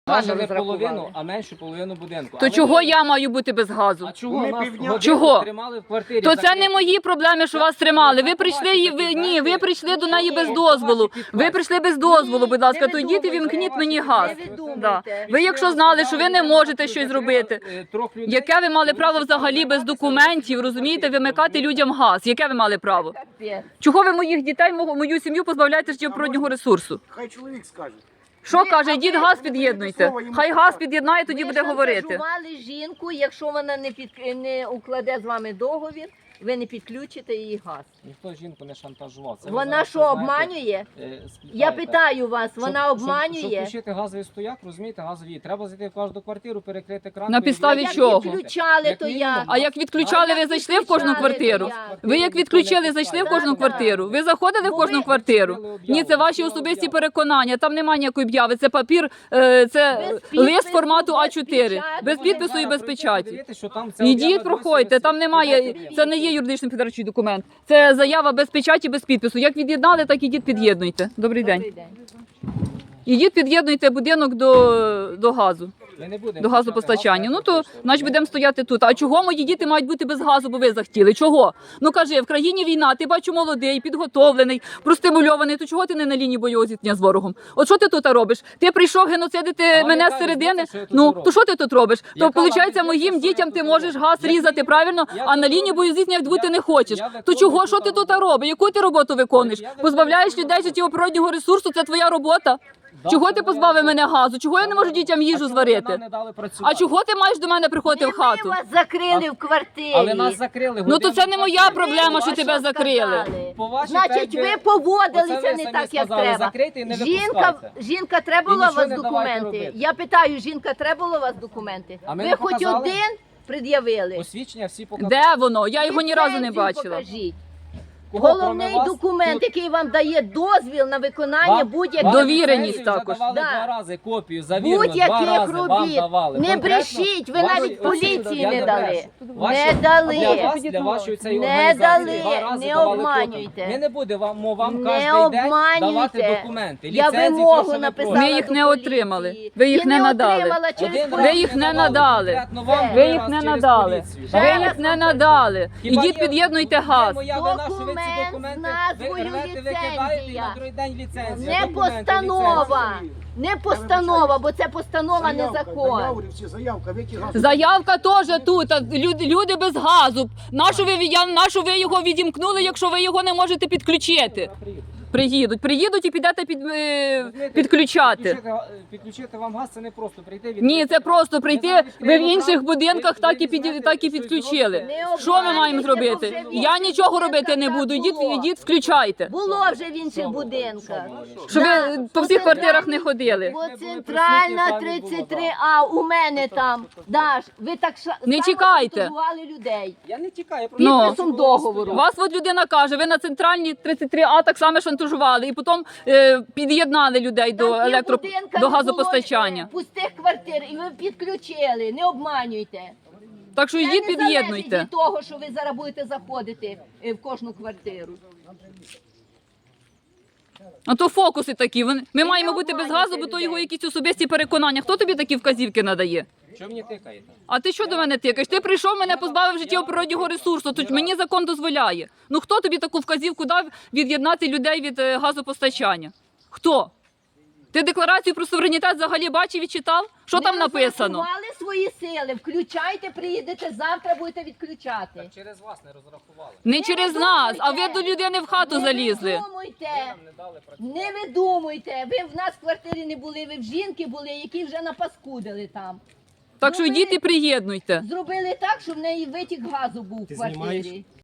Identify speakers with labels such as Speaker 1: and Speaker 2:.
Speaker 1: Навіть не половину, а меншу половину будинку.
Speaker 2: То чого я маю бути без газу?
Speaker 1: А чого нас годину
Speaker 2: Чого?
Speaker 1: тримали в квартирі?
Speaker 2: То це не мої проблеми, що вас тримали. Ви прийшли, ви прийшли до неї без дозволу. Ви прийшли без дозволу, будь ласка, то йдіть і вімкніть мені газ. Да. Ви якщо знали, що ви не можете щось зробити, яке ви мали право взагалі без документів, розумієте, вимикати людям газ? Яке ви мали право? Чого ви моїх дітей, мою сім'ю позбавляєте життєво природнього ресурсу?
Speaker 3: Хай чоловік скаже.
Speaker 2: Що каже, йдіть газ під'єднуйте. Хай газ під'єднає, тоді буде говорити.
Speaker 4: Ви шантажували жінку, якщо вона не укладе з вами договір, ви не підключите її газ.
Speaker 1: Ніхто жінку не шантажував. Це ви
Speaker 4: Вона
Speaker 1: зараз
Speaker 4: що,
Speaker 1: знаєте,
Speaker 4: обманює?
Speaker 1: спитаєте.
Speaker 4: Я питаю вас, вона
Speaker 1: Щоб
Speaker 4: обманює?
Speaker 1: включити газовий стояк, розумієте, газові, треба зайти в кожну квартиру, перекрити кран.
Speaker 2: На підставі
Speaker 4: Як
Speaker 2: чого?
Speaker 4: відключали, то як?
Speaker 2: А як відключали, ви зайшли в кожну квартиру? Ви як відключили, зайшли в кожну квартиру? Ви заходили в кожну квартиру? Ні, це ваші особисті переконання, там немає ніякої об'яви, це папір, це лист формату А4, без підпису і без печаті. Ідіть, проходьте, там немає, це не є юридичний підтверджуючий документ, це заява без печаті, без підпису. Як від'єднали, так ідіть під'єднуйте. Добрий день. Ідіть під'єднуйте будинок до газу. До газопостачання. Ну то, значить, будемо стояти тут. А чого мої діти мають бути без газу, бо ви захотіли? Чого? Ну кажи, в країні війна, ти бачу молодий, підготовлений, простимульований, то чого ти не на лінії бойового зіткнення з ворогом? От що ти тут робиш? Ти прийшов геноцидити мене з середини? Ну, то що ти тут робиш? То, виходить, моїм дітям ти можеш газ різати, правильно? А на лінії бойового зіткнення бути не хочеш. То чого? Що ти тут робиш? Яку ти роботу виконуєш? Позбавляєш людей життєво природнього ресурсу, це твоя робота? Чого ти позбавив мене газу? Чого я не можу дітям їжу зварити? А чого ти маєш до мене приходити в хату?
Speaker 4: Ми вас закрили в квартирі.
Speaker 1: Але нас закрили.
Speaker 2: Ну то це не моя проблема, що тебе закрили.
Speaker 4: Значить, ви поводилися не так, як треба. Жінка, треба було у вас документи? Я питаю, жінка, треба було у вас документи? Ви хоч один пред'явили?
Speaker 1: Посвідчення всі показали.
Speaker 2: Де воно? Я його ні разу не бачила.
Speaker 4: Покажіть. Головний документ, який вам дає дозвіл на виконання будь-яких
Speaker 2: Довіреність також.
Speaker 1: Давали два рази копію, завірено, два
Speaker 4: будь-яких
Speaker 1: рази вам
Speaker 4: робіт.
Speaker 1: давали.
Speaker 4: Не брешіть, ви навіть поліції не дали. Не дали.
Speaker 1: Для вашої цієї
Speaker 4: Не
Speaker 1: організації
Speaker 4: дали,
Speaker 1: два рази
Speaker 4: не
Speaker 1: давали
Speaker 4: обманюйте.
Speaker 1: копію. Ми не будемо вам
Speaker 4: Не
Speaker 1: кожен день давати
Speaker 4: обманюйте.
Speaker 1: документи.
Speaker 4: Я
Speaker 1: Ліцензії, то,
Speaker 4: вимогу
Speaker 1: що ви
Speaker 4: написала
Speaker 1: просите.
Speaker 2: Ми їх
Speaker 4: до
Speaker 2: не
Speaker 4: поліції.
Speaker 2: отримали. Ви їх
Speaker 4: Я
Speaker 2: не надали.
Speaker 4: отримала через
Speaker 1: Один
Speaker 2: Ви
Speaker 1: раз
Speaker 2: їх не
Speaker 1: давали,
Speaker 2: надали.
Speaker 1: конкретно вам
Speaker 2: Ви
Speaker 1: раз
Speaker 2: їх не
Speaker 1: через
Speaker 2: надали.
Speaker 1: поліцію.
Speaker 2: Ви їх не надали.
Speaker 1: Хіба
Speaker 2: Ідіть
Speaker 1: є-
Speaker 2: під'єднуйте
Speaker 1: є
Speaker 2: газ.
Speaker 1: моя вина, що ви ці
Speaker 4: Документ
Speaker 1: документи
Speaker 4: з назвою
Speaker 1: рвете, викидаєте і на
Speaker 4: ліцензія.
Speaker 1: другий день ліцензія.
Speaker 4: Не
Speaker 1: Документи,
Speaker 4: постанова.
Speaker 1: ліцензія.
Speaker 4: Не постанова, бо це постанова не закон.
Speaker 3: Заявка,
Speaker 2: Заявка теж тут. А люди без газу. Нашу ви його відімкнули, якщо ви його не можете підключити? Приїдуть і підете підключати.
Speaker 1: Підключити вам газ, це не просто прийти.
Speaker 2: Ні, це просто прийти. Ви в інших будинках так і підключили. Що ми маємо зробити? Я нічого робити не буду. Ідіть, включайте.
Speaker 4: Було вже в інших будинках.
Speaker 2: Щоб ви по всіх квартирах не ходили.
Speaker 4: Бо центральна 33А у мене там. Даш, ви так
Speaker 2: Не тікайте.
Speaker 4: шантажували людей.
Speaker 1: Я не тікаю, я
Speaker 2: Ну.
Speaker 4: Підписом договору.
Speaker 2: Вас от людина каже, ви на центральній 33А так само шантажували і потім під'єднали людей до газопостачання.
Speaker 4: Пустих квартир, і ви підключили, не обманюйте.
Speaker 2: Так що
Speaker 4: Це
Speaker 2: йдіть
Speaker 4: не залежить
Speaker 2: під'єднуйте.
Speaker 4: від того, що ви зараз будете заходити в кожну квартиру.
Speaker 2: А то фокуси такі. Ми маємо бути без газу, бо
Speaker 4: обманюйте
Speaker 2: то його
Speaker 4: людей.
Speaker 2: якісь особисті переконання. Хто тобі такі вказівки надає?
Speaker 1: Чого мені тикаєте?
Speaker 2: А ти що до мене тикаєш? Ти прийшов, мене позбавив життєво природнього ресурсу. Тут мені закон дозволяє. Ну хто тобі таку вказівку дав від'єднати людей від газопостачання? Хто? Ти декларацію про суверенітет взагалі бачив і читав? Що там написано?
Speaker 4: Не розрахували свої сили, включайте, приїдете завтра, будете відключати.
Speaker 1: Через вас не розрахували.
Speaker 2: Не через нас, а ви до людини в хату залізли.
Speaker 4: Не видумуйте, ви в нас в квартирі не були, ви в жінки були, які вже напаскудили там.
Speaker 2: Так що йдіть і приєднуйте.
Speaker 4: Зробили так, щоб в неї витік газу був в квартирі.